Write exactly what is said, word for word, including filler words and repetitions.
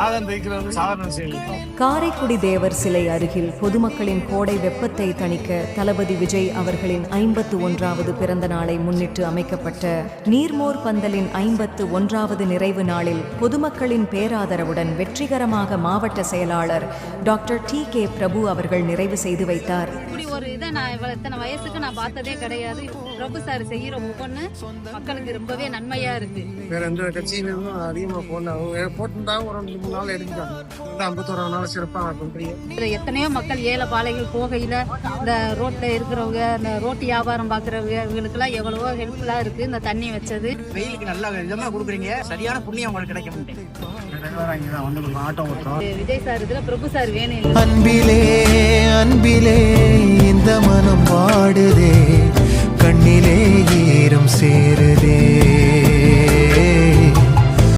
காரைக்குடி தேவர் சிலை அருகில் பொதுமக்களின் கோடை வெப்பத்தை தணிக்க தளபதி விஜய் அவர்களின் ஐம்பத்து ஒன்றாவது பிறந்த நாளை முன்னிட்டு அமைக்கப்பட்ட நீர்மோர் பந்தலின் ஐம்பத்து ஒன்றாவது நிறைவு நாளில் பொதுமக்களின் பேராதரவுடன் வெற்றிகரமாக மாவட்ட செயலாளர் டாக்டர் டி கே பிரபு அவர்கள் நிறைவு செய்து வைத்தார். ஒரு இதை நான் இவ்வளவு இத்தனை வயசுக்கு நான் பார்த்ததே கிடையாது. பிரபு சார் செய்யற ஒவ்வொன்று மக்களுக்கு ரொம்பவே நன்மையா இருக்கு. வேற எந்த கட்சியிலும் அதிகமா போனாங்க போட்டுட்டாங்க. ஒரு ரெண்டு மூணு நாள் எடுத்துட்டாங்க. ஐம்பத்தோரா நாள் சிறப்பாக பண்றீங்க. எத்தனையோ மக்கள் ஏழை பாலைகள் போகையில இந்த ரோட்ல இருக்கிறவங்க, இந்த ரோட்டு வியாபாரம் பாக்குறவங்க, இவங்களுக்கு எல்லாம் எவ்வளவோ ஹெல்ப்ஃபுல்லா இருக்கு இந்த தண்ணி வச்சது. வெயிலுக்கு நல்லா விதமா கொடுக்குறீங்க. சரியான புண்ணியம் உங்களுக்கு கிடைக்க முடியும். விஜய் சார் இதுல பிரபு சார் வேணும். அன்பிலே அன்பிலே இந்த மனம் வாடுதே, கண்ணிலே ஈரம் சேருதே.